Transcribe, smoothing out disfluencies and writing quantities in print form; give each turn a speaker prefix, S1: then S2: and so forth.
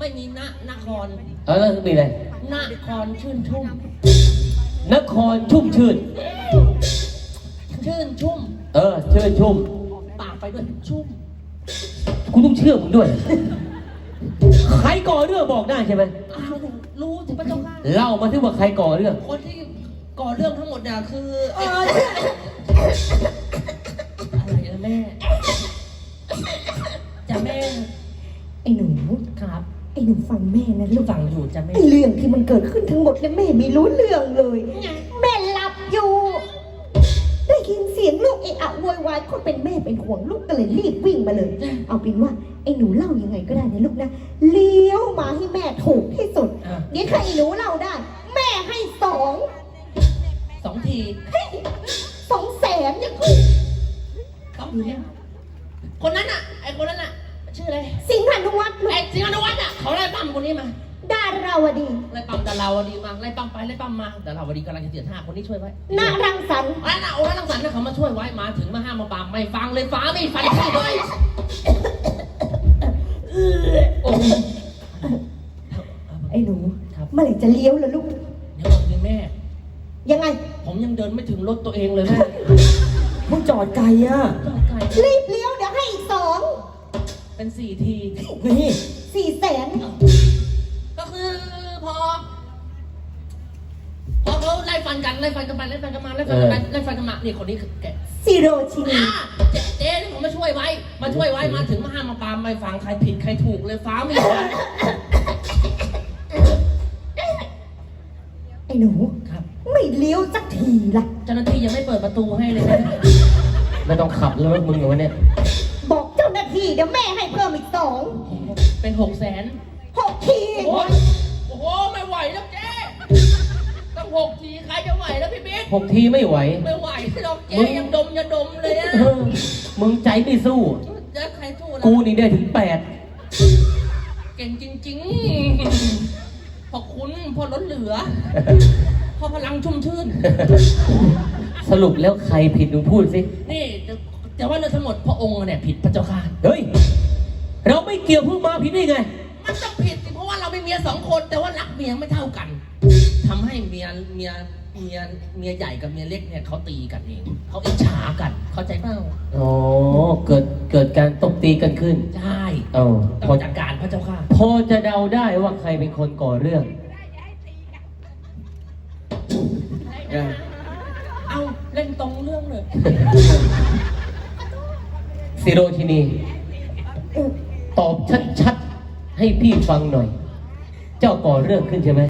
S1: ไม่มีนคร
S2: แล้วมีอะไร
S1: นครชื่นชุ่ม
S2: นครชุ่มชื่น
S1: ชื่นชุ่ม
S2: ชื่นชุ่ม
S1: ปากไปด้วยชุ่ม
S2: กูต้องเชื่อมึงด้วยใครก่อเรื่องบอกได้ใช่ไหม
S1: อ้าวรู้ถึงพระเจ้าค่ะ
S2: เล่ามาที่ว่าใครก่อเรื่อง
S1: คนที่ก่อเรื่องทั้งหมดเนี่ยคืออะไรนะแม่จะแม่
S3: ไอ้หนู
S1: ครับ
S3: ไอ้หนูฟังแม่นะลูก
S1: ฟังอยู่จะแม่
S3: เรื่องที่มันเกิดขึ้นทั้งหมดเนี่ยแม่ไม่รู้เรื่องเลยแม่หลับอยู่ได้ยินเสียงลูกเอะอะโวยวายคนเป็นแม่เป็นห่วงลูกก็เลยรีบวิ่งมาเลยเอาเป็นว่าไอ้หนูเล่ายังไงก็ได้นะลูกนะเลี้ยวมาให้แม่ถูกที่สุดเดี๋ยวใครหนูเล่าได้แม่ให้2
S1: ที
S3: 200,000ยังกู
S1: คนนั้นอ่ะไอ้คนนั้นอ่ะชื่ออะไร
S3: สิงหานุวัฒน์
S1: ไอ้สิงหานุวัฒน์อ่ะเขาไล่ปั๊มคนนี้มา
S3: ดาราวดี
S1: ไล่ปั๊มดาราวดีมาไล่ปั๊มไปไล่ปั๊มมาดาราวดีกำลังจะเสียท่าคนนี้ช่วยไว้
S3: นารังสรรค์
S1: น่ะโอ้รังสรรค์นะเขามาช่วยไว้มาถึงมาห้ามมาปามไม่ฟังเลยฟ้าไม่ฟันที่เลยโอ้
S3: ไอ้หนูเมื่อไหร่จะเลี้ยวล่ะลูก
S1: เดี๋ยวก่อนแม่
S3: ยังไง
S1: ผมยังเดินไม่ถึงรถตัวเองเลยแม่
S2: มึงจอดไกลอ่ะ
S3: รีบเลี้ยวเดี๋ยวให้อีก2
S1: เป็น4 ที
S3: นี่400,000
S1: ก็คือพอเขาไล่ฟันกันไปไล่ฟันกันมานี่คนนี้คือแก
S3: ซีโรชินี
S1: เจ๊ที่ผมมาช่วยไว้มาถึงมาห้ามมาปามไม่ฟังใครผิดใครถูกเลยฟ้าไม่ฟัง
S3: ไอ้หนู
S1: ครับ
S3: ไม่เลี้ยวสักทีล่ะ
S1: เจ้าหน้าที่ยังไม่เปิดประตูให้เลยนะ
S2: ไม่ต้องขับรถมึงเหรอเนี่ย
S3: บอกเจ้าหน้าที่เดี๋ยวแม่ให้เพิ่มอีก2
S1: เป็น600,000
S3: 6 ที
S1: โอ้โหไม่ไหวแล้วเจ๊ต้อง6 ทีใครจะไหวแล้วพี่บิ๊ก
S2: 6 ทีไม่ไหว
S1: หรอกเจ๊ยังดมเลยอะ
S2: มึงใจไม่สู้
S1: จะใครสู้
S2: กูนี่ได้ถึง8
S1: เก่งจริงๆพอคุณพอล้นเหลือพอพลังชุ่มชื่น
S2: สรุปแล้วใครผิดมึงพูดสิ
S1: นี่แต่ว่าเรื่องทั้งหมดพระองค์เนี่ยผิดพระเจ้าค่ะ
S2: เฮ้ยเราไม่เกี่ยวเพิ่งมาผิดได้ไง
S1: มันจะผิดสิเพราะว่าเราเป็นเมีย2 คนแต่ว่ารักเมียไม่เท่ากันทำให้เมียใหญ่กับเมียเล็กเนี่ยเขาตีกันเองเขาอิจฉากันเข้าใจเปล่า
S2: อ๋อเกิดการตบตีกันขึ้น
S1: ใช่
S2: ต้อง
S1: จัดการพระเจ้าค่ะ
S2: พอจะเดาได้ว่าใครเป็นคนก่อเรื่อง
S1: เอาเล่นตรงเรื่องเลย
S2: ซิโรชินีตอบชัดๆให้พี่ฟังหน่อยเจ้าก่อเรื่องขึ้นใช่ไหม